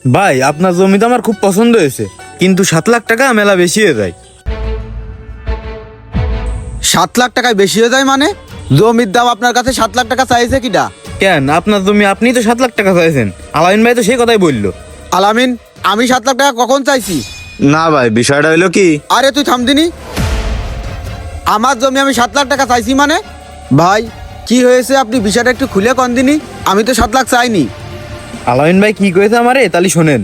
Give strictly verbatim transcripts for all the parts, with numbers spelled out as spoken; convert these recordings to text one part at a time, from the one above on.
ভাই আপনার জমি তো আমার খুব পছন্দ হয়েছে, কিন্তু সাত লাখ টাকা মেলা বেশি হয়ে যায়। সাত লাখ টাকায় বেশি হয়ে যায় মানে? জমির দাম আপনার কাছে সাত লাখ টাকা চাইছে কিনা? কেন, আপনার জমি আপনি তো সাত লাখ টাকা চাইছেন, আলামিন ভাই তো সেই কথাই বললো। আলামিন, আমি সাত লাখ টাকা কখন চাইছি? না ভাই, বিষয়টা হইলো কি, আরে তুই থামদিনি। আমার জমি আমি সাত লাখ টাকা চাইছি মানে? ভাই কি হয়েছে আপনি বিষয়টা একটু খুলে কন দিনি। আমি তো সাত লাখ চাইনি। আলামিন ভাই কি করেছে আমারে তাহলে শোনেন।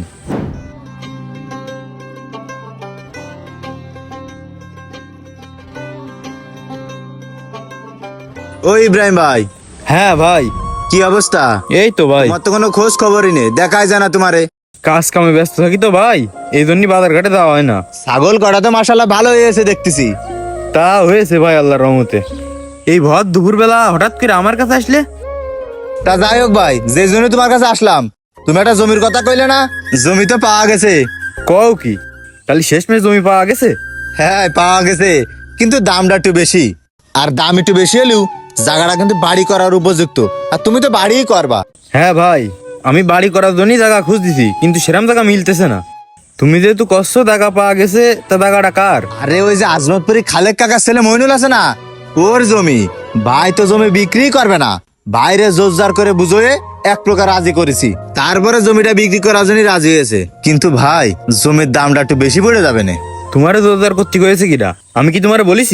ও ইব্রাহিম ভাই। হ্যাঁ ভাই। কি অবস্থা? এই তো ভাই, তোমার তো কোনো খোঁজ খবরই নেই, দেখাই যায় না তোমারে। কাজ কামে ব্যস্ত থাকি তো ভাই, এই জন্যই বাজার ঘাটে যাওয়া হয় না। ছাগল কটা তো মাশাআল্লাহ ভালো হয়েছে দেখতেছি। তা হয়েছে ভাই আল্লাহর রহমতে। এই ভর দুপুরবেলা হঠাৎ করে আমার কাছে আসলে? তা যাই হোক ভাই, যে জন্য তোমার কাছে আসলাম, তুমি একটা জমির কথা কইলে না? জমি তো পাওয়া গেছে। কও কি, তাহলে শেষমেশ জমি পাওয়া গেছে? হ্যাঁ পাওয়া গেছে, কিন্তু দামটা একটু বেশি। আর দাম একটু বেশি হলেও জায়গাটা কিন্তু বাড়ি করার উপযুক্ত, আর তুমি তো বাড়িই করবা। হ্যাঁ ভাই, আমি বাড়ি করার জন্যই জায়গা খুঁজতেছি, কিন্তু সেরকম জায়গা মিলতেছে না। তুমি যেহেতু কষ্ট জায়গা পাওয়া গেছে, তা জায়গাটা কার? আরে ওই যে আজমতপুরি খালেক কাকার ছেলে মইনুল আছে না, ওর জমি। ভাই তো জমি বিক্রি করবে না, বাইরে জোরজার করে বুঝোয়ে এক প্রকার রাজি করেছি, তারপরে জমিটা বিক্রি করার জন্য রাজি হয়েছে। কিন্তু ভাই জমির দামটা একটু বেশি পড়ে যাবে না। তোমারে জোরদার করতে হয়েছে কিনা, আমি কি তোমারে বলেছি?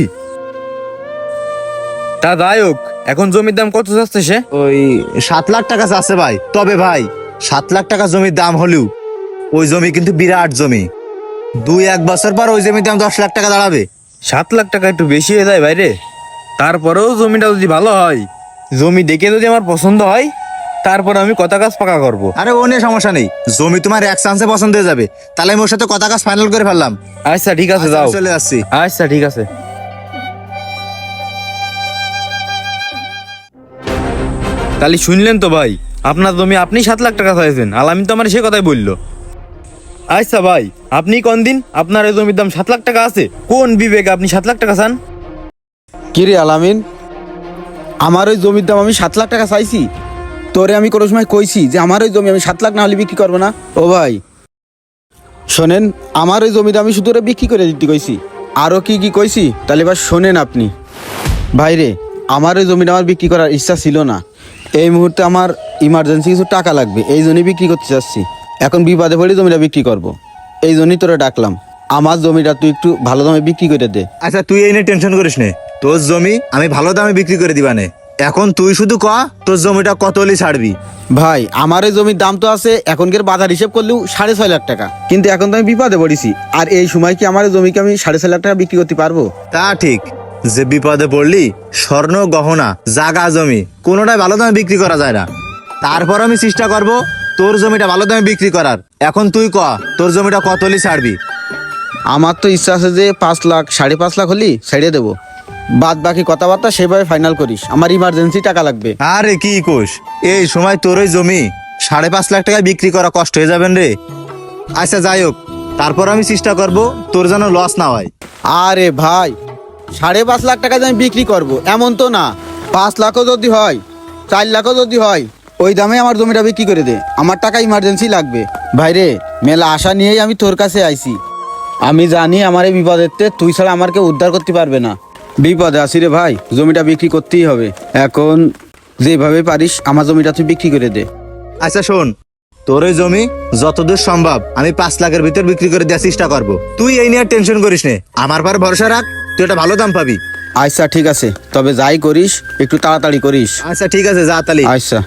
তা যাই হোক, এখন জমির দাম কত যাচ্ছে সে? ওই সাত লাখ টাকা আছে ভাই। তবে ভাই সাত লাখ টাকা জমির দাম হলেও ওই জমি কিন্তু বিরাট জমি। দুই এক বছর পর ওই জমির দাম দশ লাখ টাকা দাঁড়াবে। সাত লাখ টাকা একটু বেশি হয়ে যায় বাইরে। তারপরেও জমিটা যদি ভালো হয়, জমি দেখে যদি আমার পছন্দ হয়, তারপর আমি কথা কাজ পাকা করবো। আরে ও নিয়ে সমস্যা নেই, জমি তোমার এক চান্সে পছন্দ হয়ে যাবে। তাহলে আমি ওর সাথে কথা কাজ ফাইনাল করে ফেললাম। আচ্ছা ঠিক আছে, আচ্ছা, যাও। চলে আসছি। আচ্ছা ঠিক আছে। তাহলে শুনলেন তো ভাই, আপনার জমি আপনি সাত লাখ টাকা চাইছেন, আলামিন তো আমার সে কথাই বললো। আচ্ছা ভাই, আপনি কোন দিন আপনার এই জমির দাম সাত লাখ টাকা আছে, কোন বিবেকে আপনি সাত লাখ টাকা চান? কি রে আলামিন, আমার ওই জমির দাম আমি সাত লাখ টাকা চাইছি? তোরে আমি কোনো সময় কইছি যে আমার ওই জমি আমি সাত লাখ না হলে বিক্রি করবো না? ও ভাই শোনেন, আমার ওই জমিটা আমি শুধু ওরে বিক্রি করে দিতে কইছি। আরও কি কি কইছি তাহলে এবার শোনেন আপনি। ভাইরে, আমার ওই জমিটা আমার বিক্রি করার ইচ্ছা ছিল না। এই মুহূর্তে আমার ইমার্জেন্সি কিছু টাকা লাগবে, এই জন্যই বিক্রি করতে চাচ্ছি। এখন বিপদে পড়ে জমিটা বিক্রি করব, এই জন্যই তোরে ডাকলাম। আমার জমিটা তুই একটু ভালো দামে বিক্রি করে দে। আচ্ছা তুই এই নিয়ে টেনশন করিস নে, তোর জমি আমি ভালো দামে বিক্রি করে দিবানে। এখন তুই শুধু ক তোর জমিটা কত হলি ছাড়বি। ভাই আমার এই জমির দাম তো আছে এখনকার বাজার হিসেব করলেও সাড়ে ছয় লাখ টাকা, কিন্তু এখন তো আমি বিপদে পড়েছি। আর এই সময় কি আমার এই জমিকে আমি সাড়ে ছয় লাখ টাকা বিক্রি করতে পারবো? তা ঠিক, যে বিপদে পড়লি স্বর্ণ গহনা জাগা জমি কোনোটাই ভালো দামে বিক্রি করা যায় না। তারপর আমি চেষ্টা করব তোর জমিটা ভালো দামে বিক্রি করার। এখন তুই ক তোর জমিটা কত হলি ছাড়বি। আমার তো ইচ্ছা আছে যে পাঁচ লাখ সাড়ে পাঁচ লাখ হলেই ছেড়ে দেবো। বাদ বাকি কথাবার্তা সেভাবে ফাইনাল করিস, আমার ইমার্জেন্সি টাকা লাগবে। আরে কি কোষ, এই সময় তোর ওই জমি সাড়ে পাঁচ লাখ টাকায় বিক্রি করা কষ্ট হয়ে যাবেন রে। আচ্ছা যাই হোক, তারপর আমি চেষ্টা করব তোর যেন লস না হয়। আরে ভাই, সাড়ে পাঁচ লাখ টাকা আমি বিক্রি করব এমন তো না। পাঁচ লাখও যদি হয়, চার লাখও যদি হয়, ওই দামে আমার জমিটা বিক্রি করে দে, আমার টাকা ইমার্জেন্সি লাগবে। ভাইরে, মেলা আশা নিয়েই আমি তোর কাছে আইছি। আমি জানি আমার এই বিপদেতে তুই ছাড়া আমার কেউ উদ্ধার করতে পারবে না। বিপদে আছি রে ভাই, জমিটা বিক্রি করতেই হবে। এখন যেভাবে পারিস আমার জমিটা তুই বিক্রি করে দে। আচ্ছা শোন, তোর ওই জমি যতদূর সম্ভব আমি পাঁচ লাখের ভিতর বিক্রি করে দেওয়ার চেষ্টা করবো। তুই এই নিয়ে টেনশন করিস নে, আমার পর ভরসা রাখ, তুই একটা ভালো দাম পাবি। আচ্ছা ঠিক আছে, তবে যাই করিস একটু তাড়াতাড়ি করিস। আচ্ছা ঠিক আছে, যা তালি। আচ্ছা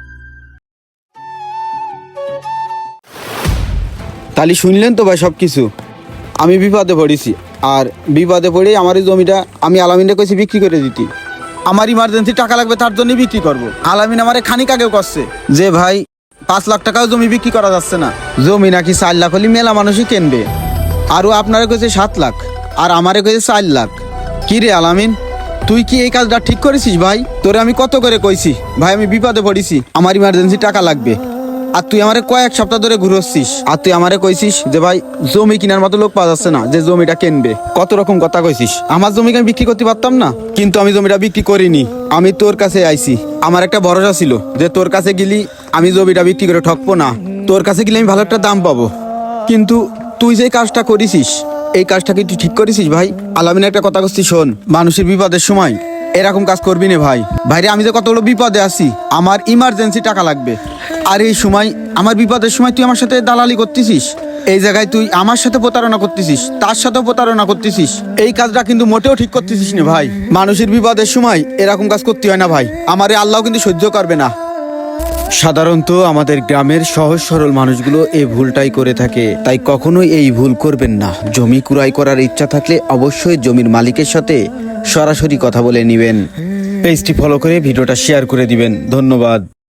তালি শুনলেন তো ভাই সব কিছু। আমি বিপদে পড়েছি, আর বিপদে পড়ে আমার এই জমিটা আমি আলামিনকে কইছি বিক্রি করে দিতি। আমার ইমার্জেন্সি টাকা লাগবে, তার জন্যই বিক্রি করব। আলামিন আমারে খানিক আগেও করছে যে ভাই পাঁচ লাখ টাকাও জমি বিক্রি করা যাচ্ছে না, জমি নাকি চার লাখ হলে মেলা মানুষই কিনবে। আরও আপনারা কইছে সাত লাখ, আর আমারে কইছে চার লাখ। কি রে আলামিন, তুই কি এই কাজটা ঠিক করেছিস ভাই? তোরে আমি কত করে কইছি ভাই আমি বিপদে পড়েছি, আমার ইমার্জেন্সি টাকা লাগবে, আর তুই আমারে কয়েক সপ্তাহ ধরে ঘুরোচ্ছিস। আর তুই আমারে কইছিস যে ভাই জমি কেনার মতো লোক পাওয়া যাচ্ছে না যে জমিটা কিনবে। কত রকম কথা কইছিস। আমার জমিকে আমি বিক্রি করতে পারতাম না, কিন্তু আমি জমিটা বিক্রি করিনি। আমি তোর কাছে আইছি, আমার একটা ভরসা ছিল যে তোর কাছে গেলি আমি জমিটা বিক্রি করে ঠকবো না। তোর কাছে গেলে আমি ভালো একটা দাম পাবো, কিন্তু তুই যে কাজটা করেছিস এই কাজটা কি তুই ঠিক করেছিস ভাই? আলামিন একটা কথা করছিস, শোন, মানুষের বিপদের সময় এরকম কাজ করবি না ভাই। ভাইরে আমি যে কতগুলো বিপদে আছি, আমার ইমার্জেন্সি টাকা লাগবে, আর এই সময় আমার বিপদের সময় তুই আমার সাথে দালালি করতেছিস। এই জায়গায় তুই আমার সাথে প্রতারণা করতেছিস, তার সাথেও প্রতারণা করতেছিস। এই কাজটা কিন্তু মোটেও ঠিক করতেছিস না ভাই। মানুষের বিপদের সময় এরকম কাজ করতে হয় না ভাই, আমার এই আল্লাহ কিন্তু সহ্য করবে না। সাধারণত আমাদের গ্রামের সহজ সরল মানুষগুলো এই ভুলটাই করে থাকে, তাই কখনোই এই ভুল করবেন না। জমি কুড়াই করার ইচ্ছা থাকলে অবশ্যই জমির মালিকের সাথে সরাসরি কথা বলে নেবেন। পেজটি ফলো করে ভিডিওটা শেয়ার করে দিবেন। ধন্যবাদ।